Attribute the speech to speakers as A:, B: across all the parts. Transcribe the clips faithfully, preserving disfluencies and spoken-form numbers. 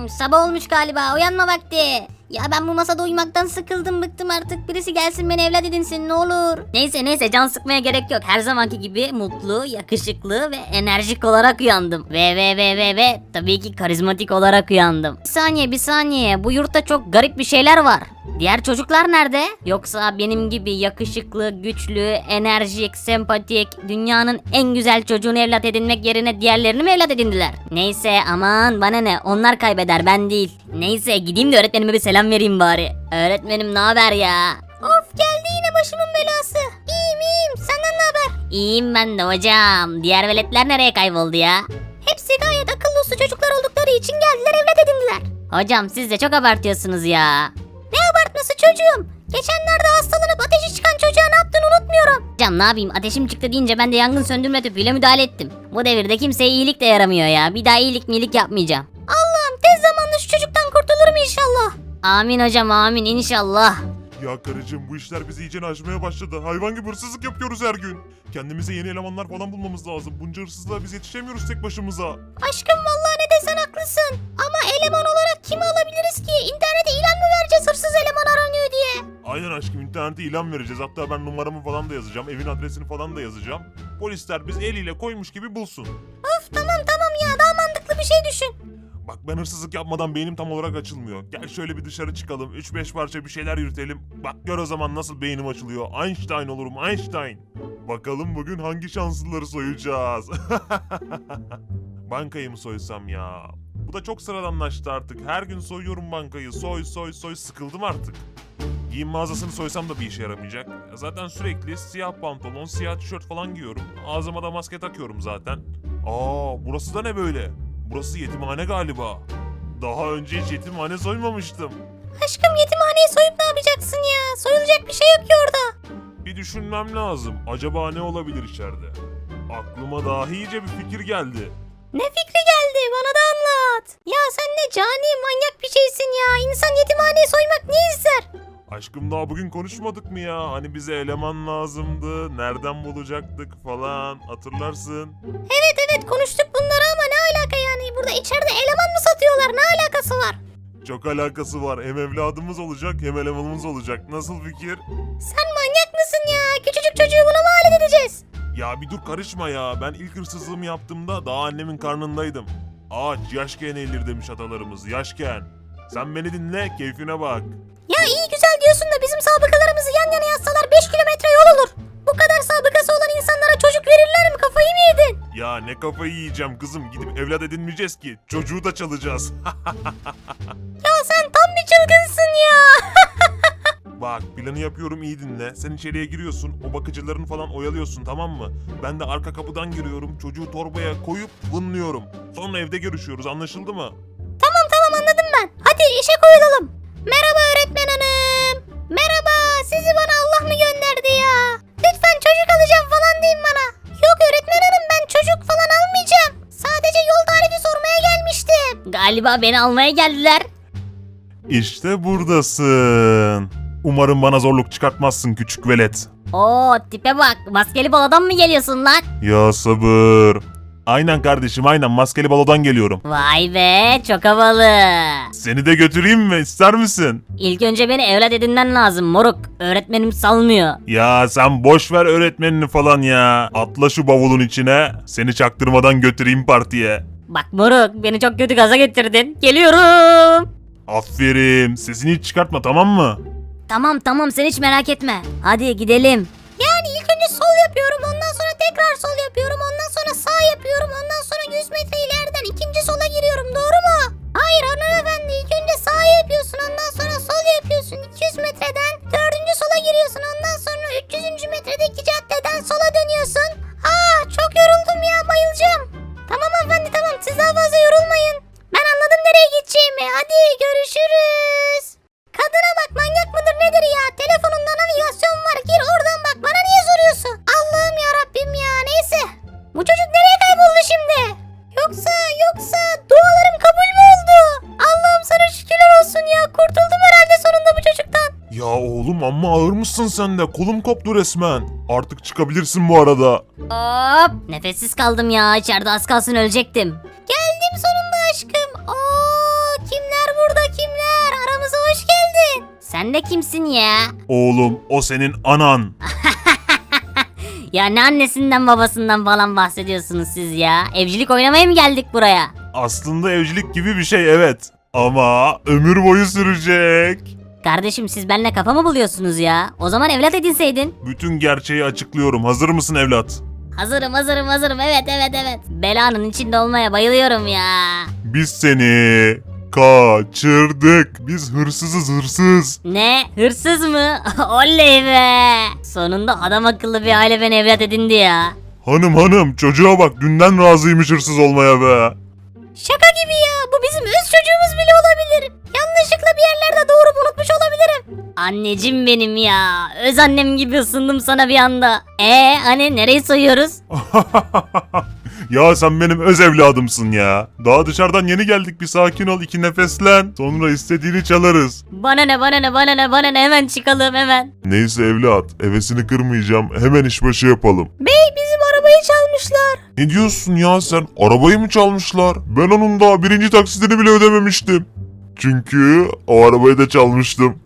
A: aşkım, sabah olmuş galiba, uyanma vakti. Ya ben bu masada uyumaktan sıkıldım, bıktım artık. Birisi gelsin beni evlat edinsin ne olur. Neyse neyse, can sıkmaya gerek yok. Her zamanki gibi mutlu, yakışıklı ve enerjik olarak uyandım. Ve ve ve ve ve tabii ki karizmatik olarak uyandım. Bir saniye bir saniye, bu yurtta çok garip bir şeyler var. Diğer çocuklar nerede? Yoksa benim gibi yakışıklı, güçlü, enerjik, sempatik, dünyanın en güzel çocuğunu evlat edinmek yerine diğerlerini mi evlat edindiler? Neyse aman bana ne, onlar kaybeder ben değil. Neyse gideyim de öğretmenime bir selam vereyim bari. Öğretmenim ne haber ya? Of, geldi yine başımın belası. İyiyim iyiyim, senden ne haber? İyiyim ben de hocam. Diğer veletler nereye kayboldu ya? Hepsi gayet akıllı uslu çocuklar oldukları için geldiler, evlat edindiler. Hocam siz de çok abartıyorsunuz ya. Ne abartması çocuğum? Geçenlerde hastalanıp ateşi çıkan çocuğa ne yaptığını unutmuyorum. Hocam ne yapayım, ateşim çıktı deyince ben de yangın söndürme tüpüyle müdahale ettim. Bu devirde kimseye iyilik de yaramıyor ya. Bir daha iyilik miyilik yapmayacağım. Allah'ım tez zamanda şu çocuktan kurtulurum inşallah. Amin hocam amin inşallah.
B: Ya karıcığım, bu işler bizi iyice aşmaya başladı. Hayvan gibi hırsızlık yapıyoruz her gün. Kendimize yeni elemanlar falan bulmamız lazım. Bunca hırsızlığa biz yetişemiyoruz tek başımıza.
A: Aşkım vallahi ne desen haklısın. Ama eleman olarak kimi alabiliriz ki? İnternete ilan mı vereceğiz hırsız eleman aranıyor diye?
B: Aynen aşkım, internete ilan vereceğiz. Hatta ben numaramı falan da yazacağım. Evin adresini falan da yazacağım. Polisler biz eliyle koymuş gibi bulsun.
A: Of tamam tamam ya, daha mantıklı bir şey düşün.
B: Bak ben hırsızlık yapmadan beynim tam olarak açılmıyor. Gel şöyle bir dışarı çıkalım. üç beş parça bir şeyler yürütelim. Bak gör o zaman nasıl beynim açılıyor. Einstein olurum Einstein. Bakalım bugün hangi şanslıları soyacağız. Bankayı mı soysam ya? Bu da çok sıradanlaştı artık. Her gün soyuyorum bankayı. Soy soy soy, sıkıldım artık. Giyim mağazasını soysam da bir işe yaramayacak. Zaten sürekli siyah pantolon, siyah tişört falan giyiyorum. Ağzıma da maske takıyorum zaten. Aa, burası da ne böyle? Burası yetimhane galiba. Daha önce hiç yetimhane soymamıştım.
A: Aşkım yetimhaneyi soyup ne yapacaksın ya? Soyulacak bir şey yok ki orada.
B: Bir düşünmem lazım. Acaba ne olabilir içeride? Aklıma daha iyice bir fikir geldi.
A: Ne fikri geldi? Bana da anlat. Ya sen ne cani manyak bir şeysin ya. İnsan yetimhaneyi soymak niye ister?
B: Aşkım daha bugün konuşmadık mı ya? Hani bize eleman lazımdı, nereden bulacaktık falan, hatırlarsın.
A: Evet evet konuştuk bunları ama ne alaka yani? Burada içeride eleman mı satıyorlar? Ne alakası var?
B: Çok alakası var. Hem evladımız olacak hem elemanımız olacak. Nasıl fikir?
A: Sen manyak mısın ya? Küçücük çocuğu buna mı alet edeceğiz?
B: Ya bir dur karışma ya. Ben ilk hırsızlığımı yaptığımda daha annemin karnındaydım. Ağaç yaşken eğilir demiş atalarımız. Yaşken. Sen beni dinle, keyfine bak.
A: Ya iyi güzel diyorsun da bizim sabıkalarımızı yan yana yazsalar beş kilometre yol olur. Bu kadar sabıkası olan insanlara çocuk verirler mi? Kafayı mı yedin?
B: Ya ne kafayı yiyeceğim kızım. Gidip evlat edinmeyeceğiz ki. Çocuğu da çalacağız.
A: Ya sen tam bir çılgınsın ya.
B: Bak planı yapıyorum, iyi dinle. Sen içeriye giriyorsun. O bakıcıların falan oyalıyorsun, tamam mı? Ben de arka kapıdan giriyorum. Çocuğu torbaya koyup vınlıyorum. Sonra evde görüşüyoruz, anlaşıldı mı?
A: Tamam tamam anladım ben. Hadi işe koyulalım. Merhaba öğretmen hanım. Merhaba, sizi bana Allah mı gönderdi ya? Lütfen çocuk alacağım falan deyin bana. Yok öğretmen hanım, ben çocuk falan almayacağım. Sadece yol tarifi sormaya gelmiştim. Galiba beni almaya geldiler.
B: İşte buradasın. Umarım bana zorluk çıkartmazsın küçük velet.
A: Oo tipe bak, maskeli baladan mı geliyorsun lan?
B: Ya sabır. Aynen kardeşim, aynen maskeli balodan geliyorum.
A: Vay be, çok havalı.
B: Seni de götüreyim mi, ister misin?
A: İlk önce beni evlat edinmen lazım moruk. Öğretmenim salmıyor.
B: Ya sen boş ver öğretmenini falan ya. Atla şu bavulun içine. Seni çaktırmadan götüreyim partiye.
A: Bak moruk, beni çok kötü gaza getirdin. Geliyorum.
B: Aferin. Sesini hiç çıkartma, tamam mı?
A: Tamam tamam, sen hiç merak etme. Hadi gidelim. Yani ilk önce sol yapıyorum, ondan sonra tekrar sol yapıyorum, ondan sonra sağ yapıyorum, ondan sonra yüz metre ileriden ikinci sola giriyorum, doğru mu? Hayır hanımefendi, ilk önce sağ yapıyorsun, ondan sonra sol yapıyorsun, iki yüz metreden dördüncü sola giriyorsun, ondan sonra üç yüzüncü metredeki caddeden sola dönüyorsun. Aa çok yoruldum ya, bayılacağım. Tamam hanımefendi tamam, siz daha fazla yorulmayın. Ben anladım nereye gideceğimi, hadi görüşürüz. Kadına bak, manyak mıdır nedir ya? Telefonunda navigasyon var, gir oradan bak, bana niye soruyorsun? Allah'ım ya Rabbim ya, neyse. Bu çocuk nereye kayboldu şimdi? Yoksa yoksa dualarım kabul mü oldu? Allah'ım sana şükürler olsun ya, kurtuldum herhalde sonunda bu çocuktan.
B: Ya oğlum amma ağır mısın sen de? Kolum koptu resmen. Artık çıkabilirsin bu arada.
A: Hop, nefessiz kaldım ya, içeride az kalsın ölecektim. Geldim sonunda aşkım. Oo, kim Sen de kimsin ya?
B: Oğlum o senin anan.
A: Ya ne annesinden babasından falan bahsediyorsunuz siz ya? Evcilik oynamaya mı geldik buraya?
B: Aslında evcilik gibi bir şey evet. Ama ömür boyu sürecek.
A: Kardeşim siz benimle kafa mı buluyorsunuz ya? O zaman evlat edinseydin.
B: Bütün gerçeği açıklıyorum. Hazır mısın evlat?
A: Hazırım hazırım hazırım evet evet evet. Belanın içinde olmaya bayılıyorum ya.
B: Biz seni kaçırdık. Biz hırsızız hırsız.
A: Ne? Hırsız mı? Oley be! Sonunda adam akıllı bir aile beni evlat edindi ya.
B: Hanım hanım çocuğa bak dünden razıymış hırsız olmaya be.
A: Şaka gibi ya. Bu bizim öz çocuğumuz bile olabilir. Yanlışlıkla bir yerlerde doğurup unutmuş olabilirim. Anneciğim benim ya. Öz annem gibi ısındım sana bir anda. Ee hani nereyi soyuyoruz?
B: Ya sen benim öz evladımsın ya. Daha dışarıdan yeni geldik bir sakin ol iki nefeslen. Sonra istediğini çalarız.
A: Bana ne bana ne bana ne bana ne hemen çıkalım hemen.
B: Neyse evlat hevesini kırmayacağım. Hemen işbaşı yapalım.
A: Bey bizim arabayı çalmışlar.
B: Ne diyorsun ya sen? Arabayı mı çalmışlar? Ben onun daha birinci taksitini bile ödememiştim. Çünkü o arabayı da çalmıştım.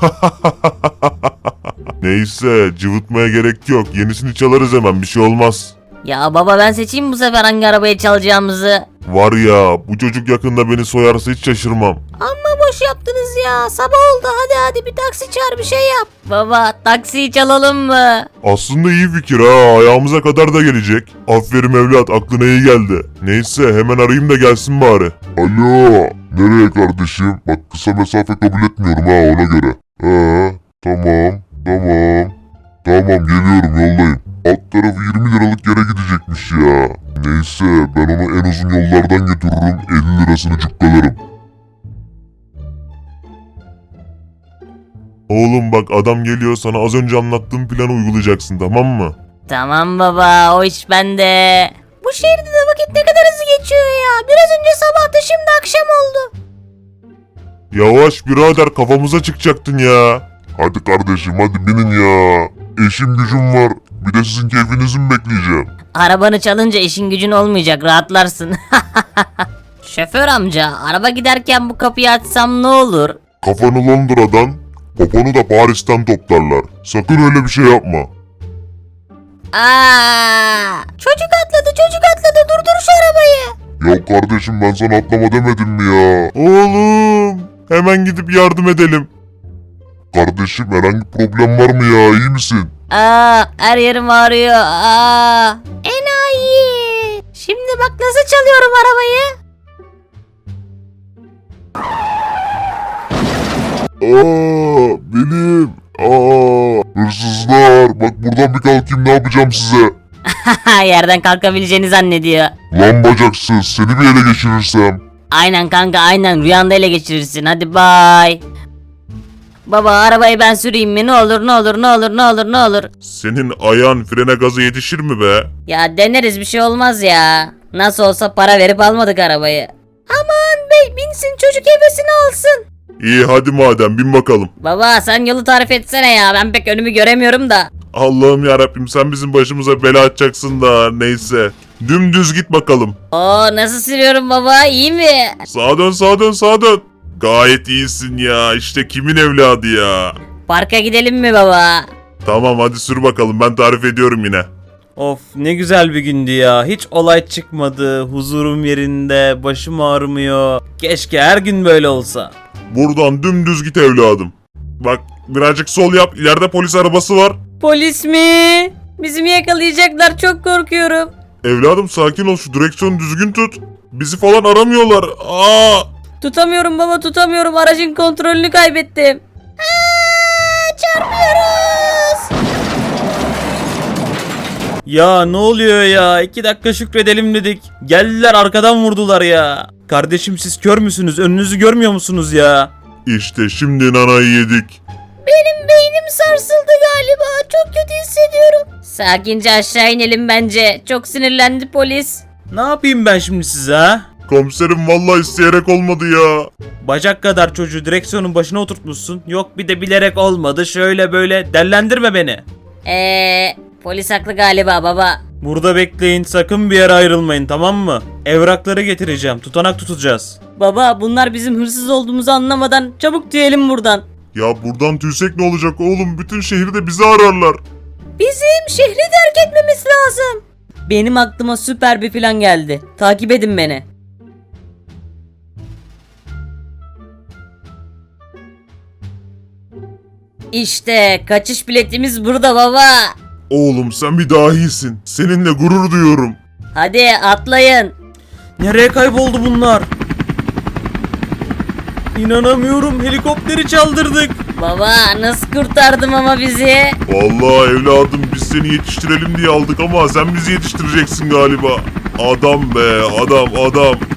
B: Neyse cıvıtmaya gerek yok. Yenisini çalarız hemen bir şey olmaz.
A: Ya baba ben seçeyim bu sefer hangi arabayı çalacağımızı.
B: Var ya bu çocuk yakında beni soyarsa hiç şaşırmam.
A: Amma boş yaptınız ya. Sabah oldu hadi hadi bir taksi çağır bir şey yap. Baba taksiyi çalalım mı?
B: Aslında iyi fikir ha ayağımıza kadar da gelecek. Aferin evlat aklına iyi geldi. Neyse hemen arayayım da gelsin bari. Alo nereye kardeşim? Bak kısa mesafe kabul etmiyorum ha ona göre. Ee tamam tamam. Tamam geliyorum yoldayım. Alt tarafı yirmi liralık yere gidecekmiş ya. Neyse ben onu en uzun yollardan götürürüm elli lirasını cukkalarım. Oğlum bak adam geliyor sana az önce anlattığım planı uygulayacaksın tamam mı?
A: Tamam baba o iş bende. Bu şehirde de vakit ne kadar hızlı geçiyor ya. Biraz önce sabahtı şimdi akşam oldu.
B: Yavaş birader kafamıza çıkacaktın ya. Hadi kardeşim hadi binin ya. İşim gücüm var. Bir de sizin keyfinizi mi bekleyeceğim?
A: Arabanı çalınca işin gücün olmayacak rahatlarsın. Şoför amca araba giderken bu kapıyı açsam ne olur?
B: Kafanı Londra'dan, poponu da Paris'ten toplarlar. Sakın öyle bir şey yapma.
A: Aa! Çocuk atladı çocuk atladı durdur şu arabayı.
B: Ya kardeşim ben sana atlama demedim mi ya? Oğlum hemen gidip yardım edelim. Kardeşim herhangi problem var mı ya iyi misin?
A: Aa, her yerim ağrıyor. Aa. Enayi. Şimdi bak nasıl çalıyorum arabayı.
B: Aa benim. Aa hırsızlar bak buradan bir kalkayım ne yapacağım size?
A: Yerden kalkabileceğini zannediyor.
B: Lan bacaksız seni bir ele geçirirsem.
A: Aynen kanka aynen rüyanda ele geçirirsin hadi bay. Baba arabayı ben süreyim mi ne olur ne olur ne olur ne olur ne olur.
B: Senin ayağın frene gazı yetişir mi be?
A: Ya deneriz bir şey olmaz ya. Nasıl olsa para verip almadık arabayı. Aman bey binsin çocuk hevesini alsın.
B: İyi hadi madem bin bakalım.
A: Baba sen yolu tarif etsene ya ben pek önümü göremiyorum da.
B: Allah'ım yarabbim sen bizim başımıza bela açacaksın da neyse. Dümdüz git bakalım.
A: Oo nasıl sürüyorum baba iyi mi?
B: Sağa dön sağa dön sağa dön. Gayet iyisin ya işte kimin evladı ya.
A: Parka gidelim mi baba?
B: Tamam hadi sür bakalım ben tarif ediyorum yine.
C: Of ne güzel bir gündü ya. Hiç olay çıkmadı. Huzurum yerinde. Başım ağrımıyor. Keşke her gün böyle olsa.
B: Buradan dümdüz git evladım. Bak birazcık sol yap ileride polis arabası var.
A: Polis mi? Bizi mi yakalayacaklar çok korkuyorum.
B: Evladım sakin ol şu direksiyonu düzgün tut. Bizi falan aramıyorlar. Aa!
A: Tutamıyorum baba tutamıyorum aracın kontrolünü kaybettim. Aa, çarpıyoruz.
C: Ya ne oluyor ya? İki dakika şükredelim dedik. Geldiler arkadan vurdular ya. Kardeşim siz kör müsünüz? Önünüzü görmüyor musunuz ya?
B: İşte şimdi nanayı yedik.
A: Benim beynim sarsıldı galiba. Çok kötü hissediyorum. Sakince aşağı inelim bence. Çok sinirlendi polis.
C: Ne yapayım ben şimdi size ha?
B: Komiserim vallahi isteyerek olmadı ya.
C: Bacak kadar çocuğu direksiyonun başına oturtmuşsun. Yok bir de bilerek olmadı. Şöyle böyle dellendirme beni.
A: Eee polis haklı galiba baba.
C: Burada bekleyin, sakın bir yere ayrılmayın, tamam mı? Evrakları getireceğim, tutanak tutacağız.
A: Baba bunlar bizim hırsız olduğumuzu anlamadan çabuk diyelim buradan.
B: Ya buradan tüysek ne olacak oğlum? Bütün şehirde bizi ararlar.
A: Bizim şehri terk etmemiz lazım. Benim aklıma süper bir plan geldi. Takip edin beni. İşte kaçış biletimiz burada baba.
B: Oğlum sen bir dahisin. Seninle gurur duyuyorum.
A: Hadi atlayın.
C: Nereye kayboldu bunlar? İnanamıyorum, helikopteri çaldırdık.
A: Baba nasıl kurtardım ama bizi?
B: Vallahi evladım biz seni yetiştirelim diye aldık ama sen bizi yetiştireceksin galiba. Adam be adam adam.